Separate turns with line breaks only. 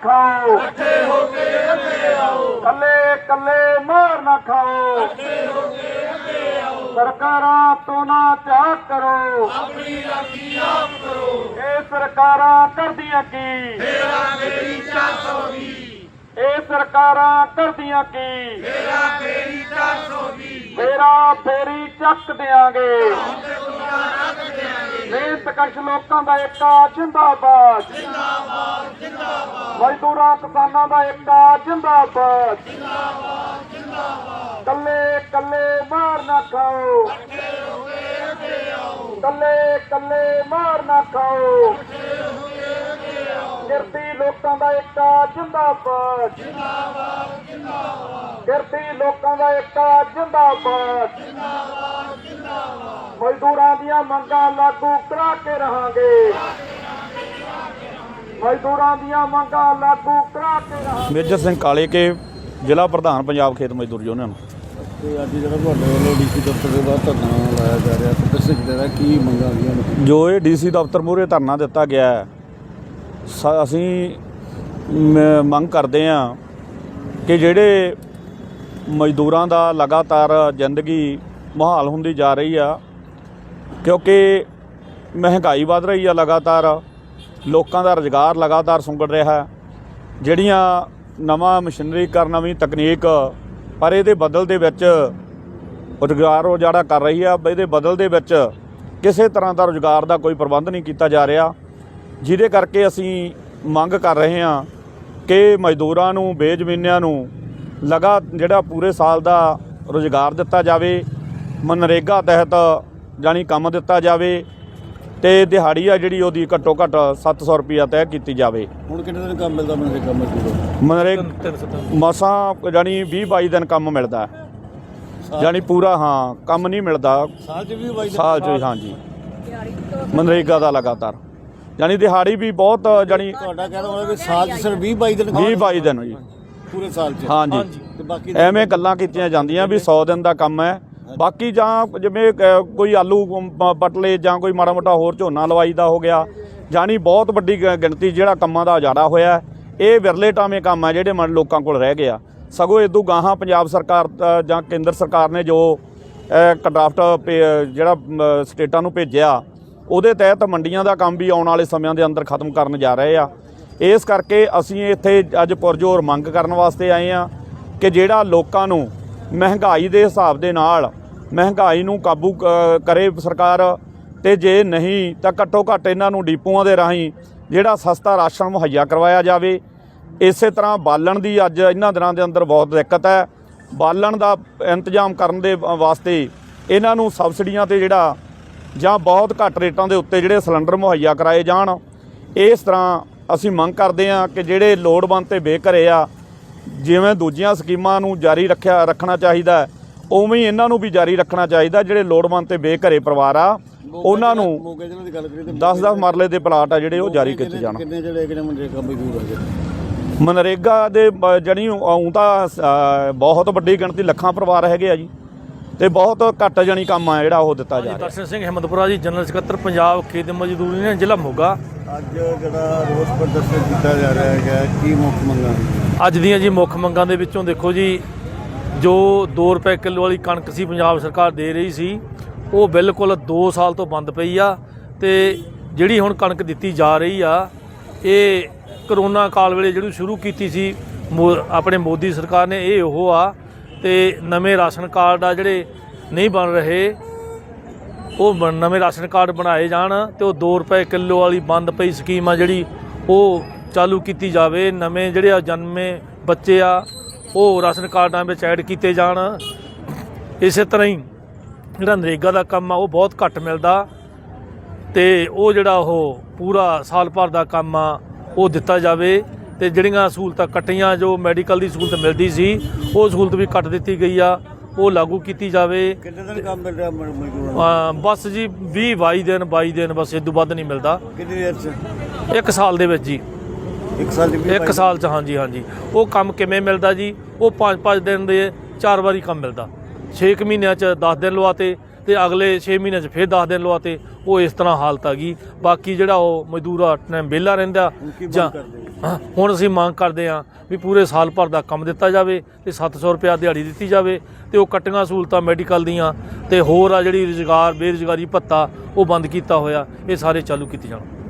खाओ, कल्ले कल्ले मार ना खाओ, सरकारां तो ना त्याग करो, ये सरकारां करदियां की, ये सरकारां करदियां की, फेरा फेरी चक देंगे, मेहनत कश लोकां दा एकता जिंदाबाद, मजदूरां किसानां दा एकता जिंदाबाद, कल्ले कल्ले मार ना खाओ, कल्ले कल्ले मार ना खाओ, गिरती लोकां दा एकता जिंदाबाद, गिरती लोकां दा एकता जिंदाबाद, मजदूरां दियां मंगां लागू करा के रहांगे, मजदूरां दियां मंगां लागू करा के रहांगे।
मेजर सिंह काले के ਜ਼ਿਲ੍ਹਾ ਪ੍ਰਧਾਨ ਪੰਜਾਬ ਖੇਤ ਮਜ਼ਦੂਰ ਯੂਨੀਅਨ।
ਤੇ ਅੱਜ ਜਿਹੜਾ ਤੁਹਾਡੇ ਵੱਲੋਂ ਡੀਸੀ ਦਫ਼ਤਰ ਦੇ ਬਾਹਰ ਧਰਨਾ ਲਾਇਆ ਜਾ ਰਿਹਾ ਤੇ ਦੱਸ ਸਕਦੇ ਦਾ ਕੀ ਮੰਗਾਂ ਆਉਂਦੀਆਂ ਨੇ?
ਜੋ ਇਹ ਡੀਸੀ ਦਫ਼ਤਰ ਮੂਹਰੇ ਧਰਨਾ ਦਿੱਤਾ ਗਿਆ ਹੈ, ਅਸੀਂ ਮੰਗ ਕਰਦੇ ਹਾਂ ਕਿ ਜਿਹੜੇ ਮਜ਼ਦੂਰਾਂ ਦਾ ਲਗਾਤਾਰ ਜ਼ਿੰਦਗੀ ਮੁਹਾਲ ਹੁੰਦੀ ਜਾ ਰਹੀ ਆ, ਕਿਉਂਕਿ ਮਹਿੰਗਾਈ ਵੱਧ ਰਹੀ ਆ ਲਗਾਤਾਰ, ਲੋਕਾਂ ਦਾ ਰੁਜ਼ਗਾਰ ਲਗਾਤਾਰ ਸੁੰਗੜ ਰਿਹਾ, ਜਿਹੜੀਆਂ ਨਵਾਂ ਮਸ਼ੀਨਰੀਕਰਨ ਨਵੀਂ ਤਕਨੀਕ ਪਰ ਇਹਦੇ ਬਦਲ ਦੇ ਵਿੱਚ ਰੁਜ਼ਗਾਰ ਉਜਾੜਾ ਕਰ ਰਹੀ ਆ, ਇਹਦੇ ਬਦਲ ਦੇ ਵਿੱਚ ਕਿਸੇ ਤਰ੍ਹਾਂ ਦਾ ਰੁਜ਼ਗਾਰ ਦਾ ਕੋਈ ਪ੍ਰਬੰਧ ਨਹੀਂ ਕੀਤਾ ਜਾ ਰਿਹਾ, ਜਿਹਦੇ ਕਰਕੇ ਅਸੀਂ ਮੰਗ ਕਰ ਰਹੇ ਹਾਂ ਕਿ ਮਜ਼ਦੂਰਾਂ ਨੂੰ ਬੇਜ਼ਮੀਨਿਆਂ ਨੂੰ ਜਿਹੜਾ ਪੂਰੇ ਸਾਲ ਦਾ ਰੁਜ਼ਗਾਰ ਦਿੱਤਾ ਜਾਵੇ, ਮਨਰੇਗਾ ਤਹਿਤ ਜਾਣੀ ਕੰਮ ਦਿੱਤਾ ਜਾਵੇ ਤੇ ਦਿਹਾੜੀ ਆ ਜਿਹੜੀ ਉਹਦੀ ਘੱਟੋ ਘੱਟ 700 ਰੁਪਈਆ ਤੈਅ ਕੀਤੀ ਜਾਵੇ।
ਹੁਣ ਕਿੰਨੇ ਦਿਨ ਕੰਮ ਮਿਲਦਾ ਮਨਰੇਗਾ ਮਜ਼ਦੂਰ?
ਮਨਰੇਗਾ ਮਸਾਂ ਜਾਣੀ 20-22 ਦਿਨ ਕੰਮ ਮਿਲਦਾ, ਜਾਣੀ ਪੂਰਾ ਹਾਂ ਕੰਮ ਨਹੀਂ ਮਿਲਦਾ
ਸਾਲ 'ਚ 20-22 ਦਿਨ?
ਸਾਲ 'ਚ ਹਾਂਜੀ ਮਨਰੇਗਾ ਦਾ ਲਗਾਤਾਰ ਜਾਣੀ ਦਿਹਾੜੀ ਵੀ ਬਹੁਤ ਜਾਣੀ
ਤੁਹਾਡਾ ਕਹਿਣਾ ਹੋਣਾ ਵੀ ਸਾਲ 'ਚ ਸਿਰਫ 20-22 ਦਿਨ
20-22 ਦਿਨ ਜੀ
ਪੂਰੇ ਸਾਲ 'ਚ?
ਹਾਂਜੀ
ਤੇ ਬਾਕੀ
ਐਵੇਂ ਗੱਲਾਂ ਕੀਤੀਆਂ ਜਾਂਦੀਆਂ ਵੀ 100 ਦਿਨ ਦਾ ਕੰਮ ਹੈ, ਬਾਕੀ ਜਾਂ ਜਿਵੇਂ ਕੋਈ ਆਲੂ ਪੱਟ ਲਏ ਜਾਂ ਕੋਈ ਮਾੜਾ ਮੋਟਾ ਹੋਰ ਝੋਨਾ ਲਵਾਈ ਦਾ ਹੋ ਗਿਆ, ਜਾਣੀ ਬਹੁਤ ਵੱਡੀ ਗਿਣਤੀ ਜਿਹੜਾ ਕੰਮਾਂ ਦਾ ਉਜਾੜਾ ਹੋਇਆ। ਇਹ ਵਿਰਲੇ ਟਾਵੇਂ ਕੰਮ ਹੈ ਜਿਹੜੇ ਲੋਕਾਂ ਕੋਲ ਰਹਿ ਗਏ ਆ। ਸਗੋਂ ਇਦੋਂ ਗਾਹਾਂ ਪੰਜਾਬ ਸਰਕਾਰ ਜਾਂ ਕੇਂਦਰ ਸਰਕਾਰ ਨੇ ਜੋ ਡਰਾਫਟ ਜਿਹੜਾ ਸਟੇਟਾਂ ਨੂੰ ਭੇਜਿਆ, ਉਹਦੇ ਤਹਿਤ ਮੰਡੀਆਂ ਦਾ ਕੰਮ ਵੀ ਆਉਣ ਵਾਲੇ ਸਮਿਆਂ ਦੇ ਅੰਦਰ ਖਤਮ ਕਰਨ ਜਾ ਰਹੇ ਆ। ਇਸ ਕਰਕੇ ਅਸੀਂ ਇੱਥੇ ਅੱਜ ਪੁਰਜੋਰ ਮੰਗ ਕਰਨ ਵਾਸਤੇ ਆਏ ਆ ਕਿ ਜਿਹੜਾ ਲੋਕਾਂ ਨੂੰ ਮਹਿੰਗਾਈ ਦੇ ਹਿਸਾਬ ਦੇ ਨਾਲ ਮਹਿੰਗਾਈ ਨੂੰ ਕਾਬੂ ਕਰੇ ਸਰਕਾਰ, ਤੇ ਜੇ ਨਹੀਂ ਤਾਂ ਘੱਟੋ ਘੱਟ ਇਹਨਾਂ ਨੂੰ ਡੀਪੂਆਂ ਦੇ ਰਾਹੀਂ ਜਿਹੜਾ ਸਸਤਾ ਰਾਸ਼ਨ ਮੁਹੱਈਆ ਕਰਵਾਇਆ ਜਾਵੇ। ਇਸੇ ਤਰ੍ਹਾਂ ਬਾਲਣ ਦੀ ਅੱਜ ਇਹਨਾਂ ਦਿਨਾਂ ਦੇ ਅੰਦਰ ਬਹੁਤ ਦਿੱਕਤ ਹੈ, ਬਾਲਣ ਦਾ ਇੰਤਜ਼ਾਮ ਕਰਨ ਦੇ ਵਾਸਤੇ ਇਹਨਾਂ ਨੂੰ ਸਬਸਿਡੀਆਂ ਤੇ ਜਿਹੜਾ ਜਾਂ ਬਹੁਤ ਘੱਟ ਰੇਟਾਂ ਦੇ ਉੱਤੇ ਜਿਹੜੇ ਸਿਲੰਡਰ ਮੁਹੱਈਆ ਕਰਾਏ ਜਾਣ। ਇਸ ਤਰ੍ਹਾਂ ਅਸੀਂ ਮੰਗ ਕਰਦੇ ਹਾਂ ਕਿ ਜਿਹੜੇ ਲੋੜਵੰਦ ਤੇ ਬੇਘਰੇ ਆ, ਜਿਵੇਂ ਦੂਜੀਆਂ ਸਕੀਮਾਂ ਨੂੰ ਜਾਰੀ ਰੱਖਣਾ ਚਾਹੀਦਾ, ਉਵੇਂ ਹੀ ਇਹਨਾਂ ਨੂੰ ਵੀ ਜਾਰੀ ਰੱਖਣਾ ਚਾਹੀਦਾ। ਜਿਹੜੇ ਲੋੜਵੰਦ ਤੇ ਬੇਘਰੇ ਪਰਿਵਾਰ ਆ ਉਹਨਾਂ ਨੂੰ 10-10 ਮਰਲੇ ਦੇ ਪਲਾਟ ਆ ਜਿਹੜੇ ਉਹ ਜਾਰੀ ਕੀਤੇ ਜਾਣ।
ਕਿੰਨੇ ਜਿਹੜੇ ਮਨਰੇਗਾ ਮਜ਼ਦੂਰ ਆ?
ਮਨਰੇਗਾ ਦੇ ਜਾਣੀ ਊਂ ਤਾਂ ਬਹੁਤ ਵੱਡੀ ਗਿਣਤੀ ਲੱਖਾਂ ਪਰਿਵਾਰ ਹੈਗੇ ਆ ਜੀ, ਤੇ ਬਹੁਤ ਘੱਟ ਜਾਣੀ ਕੰਮ ਆ ਜਿਹੜਾ ਉਹ ਦਿੱਤਾ ਜਾ ਰਿਹਾ।
ਦਰਸ਼ਨ ਸਿੰਘ ਹਿੰਮਤਪੁਰਾ ਜੀ, ਜਨਰਲ ਸਕੱਤਰ ਪੰਜਾਬ ਖੇਤ ਮਜ਼ਦੂਰ ਯੂਨੀਅਨ ਜ਼ਿਲ੍ਹਾ ਮੋਗਾ।
ਅੱਜ ਜਿਹੜਾ ਰੋਸ ਪ੍ਰਦਰਸ਼ਨ ਕੀਤਾ ਜਾ ਰਿਹਾ ਹੈਗਾ, ਕੀ ਮੁੱਖ ਮੰਗਾਂ?
ਅੱਜ ਦੀਆਂ ਜੀ ਮੁੱਖ ਮੰਗਾਂ ਦੇ ਵਿੱਚੋਂ ਦੇਖੋ ਜੀ, ਜੋ 2 ਰੁਪਏ ਕਿਲੋ ਵਾਲੀ ਕਣਕ ਸੀ ਪੰਜਾਬ ਸਰਕਾਰ ਦੇ ਰਹੀ ਸੀ, ਉਹ ਬਿਲਕੁਲ 2 ਸਾਲ ਤੋਂ ਬੰਦ ਪਈ ਆ। ਤੇ ਜਿਹੜੀ ਹੁਣ ਕਣਕ ਦਿੱਤੀ ਜਾ ਰਹੀ ਆ, ਇਹ ਕਰੋਨਾ ਕਾਲ ਵੇਲੇ ਜਿਹੜੀ ਸ਼ੁਰੂ ਕੀਤੀ ਸੀ ਆਪਣੇ ਮੋਦੀ ਸਰਕਾਰ ਨੇ, ਇਹ ਉਹ ਆ। ਤੇ ਨਵੇਂ ਰਾਸ਼ਨ ਕਾਰਡ ਆ ਜਿਹੜੇ ਨਹੀਂ ਬਣ ਰਹੇ, ਉਹ ਨਵੇਂ ਰਾਸ਼ਨ ਕਾਰਡ ਬਣਾਏ ਜਾਣ ਤੇ ਉਹ 2 ਰੁਪਏ ਕਿਲੋ ਵਾਲੀ ਬੰਦ ਪਈ ਸਕੀਮ ਆ ਜਿਹੜੀ ਉਹ ਚਾਲੂ ਕੀਤੀ ਜਾਵੇ। ਨਵੇਂ ਜਿਹੜੇ ਜਨਮੇ ਬੱਚੇ ਆ ਉਹ ਰਾਸ਼ਨ ਕਾਰਡਾਂ ਵਿੱਚ ਐਡ ਕੀਤੇ ਜਾਣ। ਇਸੇ ਤਰ੍ਹਾਂ ਹੀ ਜਿਹੜਾ ਨਰੇਗਾ ਦਾ ਕੰਮ ਆ ਉਹ ਬਹੁਤ ਘੱਟ ਮਿਲਦਾ, ਤੇ ਉਹ ਜਿਹੜਾ ਉਹ ਪੂਰਾ ਸਾਲ ਭਰ ਦਾ ਕੰਮ ਆ ਉਹ ਦਿੱਤਾ ਜਾਵੇ। ਤੇ ਜਿਹੜੀਆਂ ਸਹੂਲਤਾਂ ਕੱਟੀਆਂ, ਜੋ ਮੈਡੀਕਲ ਦੀ ਸਹੂਲਤ ਮਿਲਦੀ ਸੀ ਉਹ ਸਹੂਲਤ ਵੀ ਕੱਟ ਦਿੱਤੀ ਗਈ ਆ, ਉਹ ਲਾਗੂ ਕੀਤੀ ਜਾਵੇ।
ਕਿੰਨੇ ਦਿਨ ਕੰਮ ਮਿਲ ਰਿਹਾ ਮਜ਼ਦੂਰਾਂ ਨੂੰ?
ਬਸ ਜੀ 22 ਦਿਨ ਬਸ, ਇਸ ਤੋਂ ਵੱਧ ਨਹੀਂ ਮਿਲਦਾ।
ਕਿੰਨੀ ਦੇਰ 'ਚ?
1 ਸਾਲ ਦੇ ਵਿੱਚ ਜੀ।
1 ਸਾਲ ਦੀ?
1 ਸਾਲ 'ਚ ਹਾਂਜੀ। ਉਹ ਕੰਮ ਕਿਵੇਂ ਮਿਲਦਾ ਜੀ? ਉਹ 5-5 ਦਿਨ ਦੇ 4 ਵਾਰੀ ਕੰਮ ਮਿਲਦਾ। 6 ਮਹੀਨਿਆਂ 'ਚ 10 ਦਿਨ ਲਵਾਤੇ, ਤੇ ਅਗਲੇ 6 ਮਹੀਨਿਆਂ 'ਚ ਫਿਰ 10 ਦਿਨ ਲਵਾਤੇ। ਉਹ ਇਸ ਤਰ੍ਹਾਂ ਹਾਲਤ ਆ ਗਈ। ਬਾਕੀ ਜਿਹੜਾ ਉਹ ਮਜ਼ਦੂਰ ਆ ਟਾਈਮ ਵਿਹਲਾ ਰਹਿੰਦਾ ਜਾਂ ਹੁਣ ਅਸੀਂ ਮੰਗ ਕਰਦੇ ਹਾਂ ਵੀ ਪੂਰੇ ਸਾਲ ਭਰ ਦਾ ਕੰਮ ਦਿੱਤਾ ਜਾਵੇ ਤੇ 700 ਰੁਪਇਆ ਦਿਹਾੜੀ ਦਿੱਤੀ ਜਾਵੇ ਤੇ ਉਹ ਕੱਟੀਆਂ ਸਹੂਲਤਾਂ ਮੈਡੀਕਲ ਦੀਆਂ ਤੇ ਹੋਰ ਆ ਜਿਹੜੀ ਰੁਜ਼ਗਾਰ ਬੇਰੁਜ਼ਗਾਰੀ ਭੱਤਾ ਉਹ ਬੰਦ ਕੀਤਾ ਹੋਇਆ, ਇਹ ਸਾਰੇ ਚਾਲੂ ਕੀਤੇ ਜਾਣ।